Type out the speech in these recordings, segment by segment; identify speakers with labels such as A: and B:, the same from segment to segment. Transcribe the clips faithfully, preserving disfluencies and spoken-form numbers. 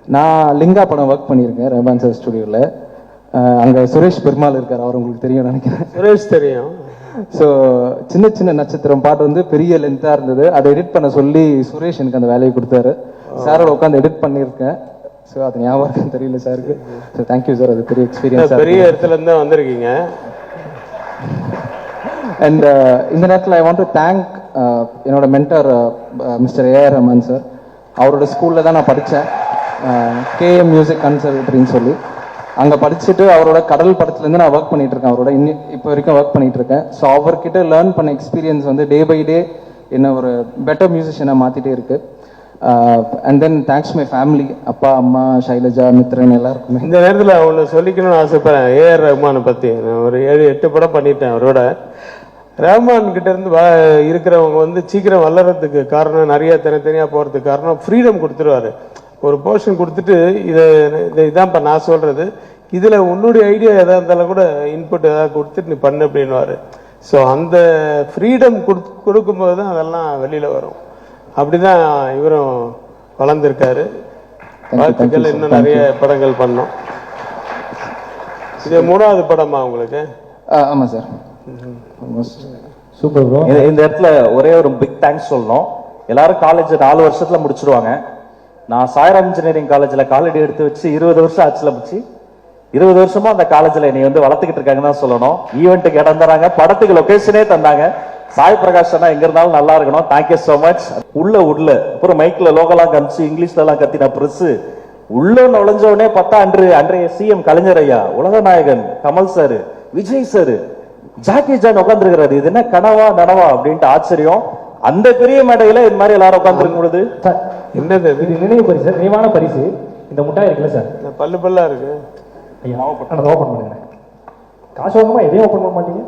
A: நான் லிங்கா படம் ஒர்க் பண்ணியிருக்கேன் ரஹ்மான் சார் ஸ்டுடியோவில். அங்கே சுரேஷ் பெருமாள் இருக்கார், அவர் உங்களுக்கு தெரியும் நினைக்கிறேன்.
B: சுரேஷ் தெரியும்.
A: ஸோ சின்ன சின்ன நட்சத்திரம் பாட்டு வந்து பெரிய லென்த்தாக இருந்தது, அதை எடிட் பண்ண சொல்லி சுரேஷ் எனக்கு அந்த வேலையை கொடுத்தாரு. சாரோட உட்காந்து எடிட் பண்ணியிருக்கேன். ஸோ அது ஞாபகம் இருக்குன்னு தெரியல சாருக்கு. ஸோ தேங்க்யூ சார், அது பெரிய எக்ஸ்பீரியன்ஸ்.
B: பெரிய இடத்துல இருந்து வந்திருக்கீங்க.
A: அண்ட் இந்த நேரத்தில் ஐ வாண்ட் டு தேங்க் என்னோட mentor mister AR Rahman sir. அவரோட ஸ்கூலில் தான் நான் படித்தேன், கேஎம் மியூசிக் கன்சர்வேட்டரின்னு சொல்லி. அங்கே படிச்சுட்டு அவரோட கடல் படத்துலேருந்து நான் ஒர்க் பண்ணிட்டு இருக்கேன், அவரோட இன்னி இப்போ வரைக்கும் ஒர்க் பண்ணிட்டு இருக்கேன். ஸோ அவர்கிட்ட லேர்ன் பண்ண எக்ஸ்பீரியன்ஸ் வந்து டே பை டே என்ன ஒரு பெட்டர் மியூசிஷியனாக மாற்றிட்டே இருக்கு. And then thanks my family, அப்பா அம்மா ஷைலஜா மித்ரன் எல்லாருக்குமே.
B: இந்த நேரத்தில் ஒன்று சொல்லிக்கணும்னு ஆசைப்படுறேன். ஏஆர் ரஹ்மானை பற்றி நான் ஒரு ஏழு எட்டு படம் பண்ணிட்டேன் அவரோட. ரஹ்மான் கிட்ட இருந்து இருக்கிறவங்க வந்து சீக்கிரம் வளர்றதுக்கு காரணம், நிறைய தனித்தனியாக போகிறதுக்கு காரணம் ஃப்ரீடம் கொடுத்துருவாரு. ஒரு போர்ஷன் கொடுத்துட்டு இதை இதான் இப்போ நான் சொல்கிறது, இதில் உன்னுடைய ஐடியா எதாக இருந்தாலும் கூட இன்புட் எதாவது கொடுத்துட்டு நீ பண்ணு அப்படின்வாரு. ஸோ அந்த ஃப்ரீடம் கொடு கொடுக்கும்போது தான் அதெல்லாம் வெளியில் வரும். அப்படி தான் இவரும் வளர்ந்துருக்காரு. வாழ்த்துக்கள், இன்னும் நிறைய படங்கள் பண்ணோம். இது மூணாவது படமா உங்களுக்கு?
A: ஆமாம் சார்.
C: Super bro. இந்த இடத்துல ஒரே ஒரு பிக் தேங்க்ஸ் சொல்லணும். எல்லாரும் காலேஜ் நாலு வருஷத்துல முடிச்சிருவாங்க. நான் சாய்ராம் இன்ஜினியரிங் காலேஜ்ல காலடி எடுத்து வச்சு இருபது வருஷம் ஆச்சுல வச்சு இருபது வருஷமா அந்த காலேஜ்ல என்னை வந்து வளர்த்துக்கிட்டு இருக்காங்கன்னு தான் சொல்லணும். ஈவெண்ட்டுக்கு இடம் தராங்க, படத்துக்கு லொகேஷனே தந்தாங்க. சாய் பிரகாஷ் அண்ணா எங்க இருந்தாலும் நல்லா இருக்கணும். Thank you so much. உள்ள உள்ள அப்புறம் மைக்ல லோகலாம் காமிச்சு இங்கிலீஷ்ல எல்லாம் கத்தின பிரஸ் உள்ள நுழைஞ்ச உடனே பார்த்தா அன்று அன்றைய சிஎம் கலைஞர் ஐயா, உலக நாயகன் Kamal sir, Vijay sir, Jackie Chan உட்காந்துருக்கிறாரு. இது என்ன கனவா நனவா அப்படின்ட்டு ஆச்சரியம். அந்த பெரிய மேடையில இது மாதிரி எல்லாரும் உட்காந்துருக்கும் பொழுது
B: என்னது இது?
C: நினைவு பரிசு, நினைவான பரிசு. இந்த முட்டாய் இருக்குல்ல சார்,
B: பல்லு பல்லா இருக்கு.
C: ஐயா அதை ஓப்பன் பண்ணுங்க. காசு வாங்கமா எதையும் ஓப்பன் பண்ண மாட்டீங்க.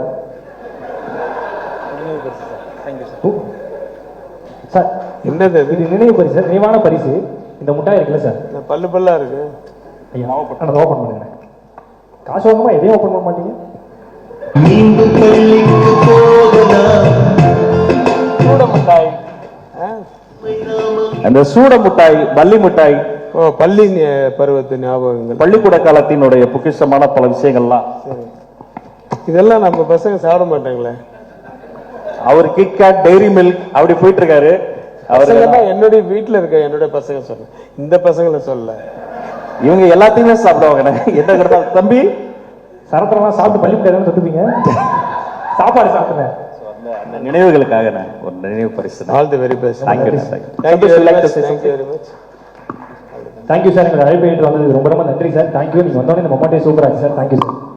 C: சார்
B: என்னது இது?
C: நினைவு பரிசு, நினைவான பரிசு. இந்த முட்டாய் இருக்குல்ல சார்,
B: பல்லு பல்லா இருக்கு.
C: ஐயா அதை ஓப்பன் பண்ணுங்க. காசு வாங்கமா எதையும் ஓப்பன் பண்ண மாட்டீங்க. சூட மிட்டாய், அந்த சூட மிட்டாய், பள்ளி மிட்டாய்.
B: ஓ, பள்ளி பருவத்து ஞாபகங்கள்,
C: பள்ளிக்கூட காலத்தினுடைய பொக்கிஷமான பல விஷயங்கள்லாம்.
B: இதெல்லாம் நம்ம பசங்க சாப்பிட மாட்டாங்களே.
C: அவர் கிட்கேட், டெய்ரி மில்க் அப்படி போயிட்டு இருக்காரு.
B: அவர் என்னுடைய வீட்டுல இருக்க என்னுடைய பசங்க சொல்ல, இந்த பசங்களை சொல்ல,
C: இவங்க எல்லாத்தையுமே சாப்பிடுவாங்க. என்ன கிடைத்தா தம்பி சரத்தெல்லாம் சாப்பிட்டு பள்ளி மிட்டாய் தொட்டுப்பீங்க, சாப்பாடு சாப்பிடுங்க. அந்த நினைவுகளுக்காக ஒரு நினைவு பரிசு.
B: All the very best.
C: Thank you.
B: Thank you very much. Thank you very much.
C: Thank you sir. எங்களை அழைப்பு வந்ததுக்கு ரொம்ப ரொம்ப நன்றி சார். Thank you. நீங்க வந்தோடனே இந்த மொமெண்டே சூப்பரா இருக்கு சார். Thank you sir.